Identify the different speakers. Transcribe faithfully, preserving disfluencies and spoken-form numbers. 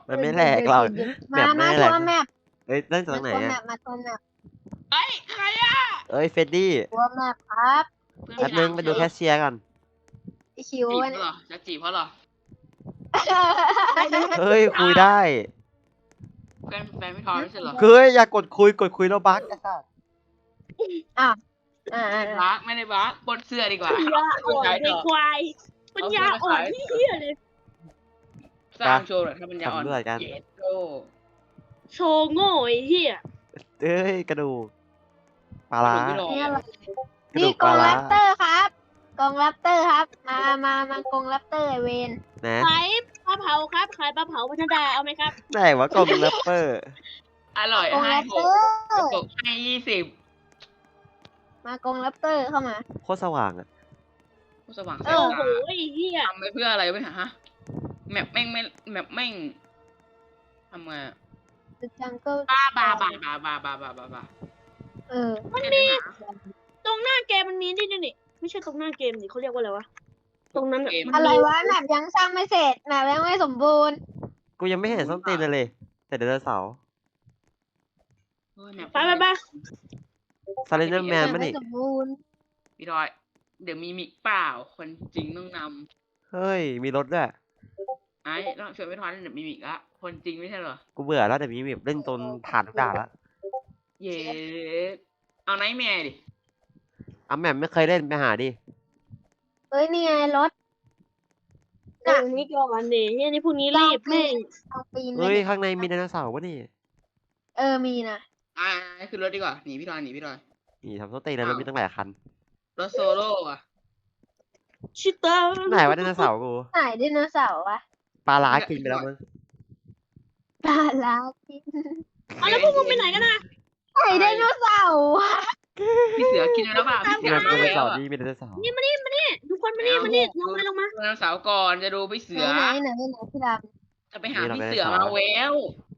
Speaker 1: มันไม่แหลกหรอกแม
Speaker 2: มา
Speaker 1: ป
Speaker 2: มา
Speaker 1: ไม่แหล
Speaker 2: ทั
Speaker 1: ก
Speaker 2: วร์แมป
Speaker 1: เอ้ยนั่นตร
Speaker 2: มาง
Speaker 1: ไหน
Speaker 2: ทัวร์แม
Speaker 1: อะ
Speaker 2: ปมาทัวร์แมป
Speaker 3: เอ้ยใครอ่ะ
Speaker 1: เอ้ยเฟดดี้
Speaker 2: ทัวร์แมปครับ
Speaker 3: เพื่อน
Speaker 1: แป๊บ
Speaker 3: ไม่
Speaker 1: นึ
Speaker 3: รั
Speaker 1: ง
Speaker 3: ก
Speaker 1: ไปดูแคชเชียร์ก่อน
Speaker 2: ไอคิว
Speaker 3: จีบ
Speaker 2: เนี่
Speaker 3: เขา
Speaker 2: ย
Speaker 3: เหรอจะจีบเขาเหรอ
Speaker 1: เฮ้ยคุยได้
Speaker 3: แฟนแฟนไม่ทอยไม่ใช่เหรอ
Speaker 1: เฮ้ยอย่ากดคุยกดคุยแล้วบั๊กไอ้สัส
Speaker 2: อ่าอ่า
Speaker 3: บักไม่ได้บักบนเสื้อดีกว่า
Speaker 4: ปัญญาอ่อนในควายปัญญาอ่อนที่เหี้ยเลย
Speaker 3: สร้างโชว์หน่อยถ้าปัญญาอ่อน
Speaker 1: ทำด้วยกัน
Speaker 3: เจ็ดโล
Speaker 4: โชว์โง่ไอ้เหี้ย
Speaker 1: เอ้ยกระดูกปลาร้า
Speaker 3: ไม่ลง
Speaker 2: นี่อะไร
Speaker 1: กระ
Speaker 2: นี่
Speaker 1: ดูก
Speaker 2: ก
Speaker 1: ป
Speaker 2: อ
Speaker 1: ลาง ร้า
Speaker 2: แรปเตอร์ครับกองแรปเตอร์ครับ มามามากองแรปเตอร์ไอเวน
Speaker 1: นะ
Speaker 4: ขายปลาเผาครับขายปลาเผาพัฒนาเอาไหมครับ
Speaker 1: ไหนวะกลมแรปเปอร์
Speaker 3: อร่อย
Speaker 2: กอง
Speaker 3: ให้
Speaker 2: แรป
Speaker 3: ห
Speaker 2: เต
Speaker 3: ก
Speaker 2: อร์
Speaker 3: ตกให้ยี่สิบ
Speaker 2: มากองแรปเตอร์เข้ามา
Speaker 1: โคตรสว่างอะ
Speaker 3: ผู้สว่างแส
Speaker 2: เอ
Speaker 3: ง
Speaker 2: อ
Speaker 4: โอ้โห
Speaker 3: ตา
Speaker 4: ไอ้เหี้ย
Speaker 3: ทำไปเพื่ออะไรวะเนี่ยฮะแมปแม่งไม่แมปแม่งทำไงอะ
Speaker 2: The Jungle
Speaker 3: บ้าบ้าบ้าบ้าบ้าบ้าบ้าบ้าบ้า
Speaker 2: เออ
Speaker 3: มันมี
Speaker 4: ตรงหน้าเกมมันมีนี่นี่นี่ไม่ใช่ตรงหน้าเกมนี่เขาเรียกว่าอะไรวะตรงนั้นอะมัน
Speaker 2: อะไร
Speaker 4: มี
Speaker 2: วะแมปยังสร้างไม่เสร็จแมปยังไม่สมบูรณ์
Speaker 1: กูยังไม่เห็นส้นตีนเลยเลย แต่ไดโนเสาร์
Speaker 3: เฮ้ยแมป
Speaker 4: ไปไปไป
Speaker 1: ซาเลนเดอร์แมน
Speaker 2: แม
Speaker 1: มั้
Speaker 2: ป
Speaker 1: ย
Speaker 2: ไม่
Speaker 1: นี่
Speaker 2: สมบูรณ์
Speaker 3: พี่ดอย เดี๋ยวมีมิกเปล่า คนจริงต้องน
Speaker 1: เฮ้ยมีรถด้วย
Speaker 3: ำไอ้ต้องชวนพี่ทอยเล่นเดี๋ยวมีมิกละคนจริงไม่ใช่เหรอ
Speaker 1: กูเบื่อแล้วแต่มีแบบเล่นจนผ่านทุกด่านแล้ว
Speaker 3: เย้เอาไนท์แมร์ดิ
Speaker 1: อ่ะแหม่มไม่เคยเล่นไปหาดิ
Speaker 2: เอ้ยนี่ไงรถ
Speaker 4: ตรงนี้ก่อนเนี่ยเหี้ยนี่พวกนี้รีบแม่ง
Speaker 2: เอาปีนไป
Speaker 1: เฮ้ย
Speaker 2: เนี่ย
Speaker 1: ข้างในมีไดโนเสาร์วะนี่
Speaker 2: เออมีนะ
Speaker 3: อ่าคือรถดีกว่า หนีพี่ทอยหนีพี่ทอย
Speaker 1: นี่ทำส้นตีนแล้วมันมีตั้งหลายคัน
Speaker 3: รถโซโล่อะ
Speaker 4: ชิตา
Speaker 1: ไหนวะไดโนเสาร์กู
Speaker 2: ไหนไดโนเสาร์วะ
Speaker 1: ปลาร้ากินไปแล้วมั้ง
Speaker 2: ปลาลากิน
Speaker 4: เอาแล้วพวกมึงไปไหนกันนะ
Speaker 2: ไหนไดโนเสาร์วะ
Speaker 3: พี่เสือกินไปแล้วเปล่าพี่เสื
Speaker 1: มี
Speaker 3: อ
Speaker 1: ได
Speaker 3: มา
Speaker 1: โน
Speaker 3: แล้ว
Speaker 1: เสาร์
Speaker 3: อะ
Speaker 1: นี่มีไดโนเสาร์
Speaker 4: นี่มานี่มานี่ทุกคนมานี่มานี่ลงมาลงมา
Speaker 3: ดูไดโนเสาร์ก่อนจะดูพี่เสือ
Speaker 2: ไหนไหนไหนไหนพี่ด
Speaker 3: จะไปหาพี่เสือมาแล้ว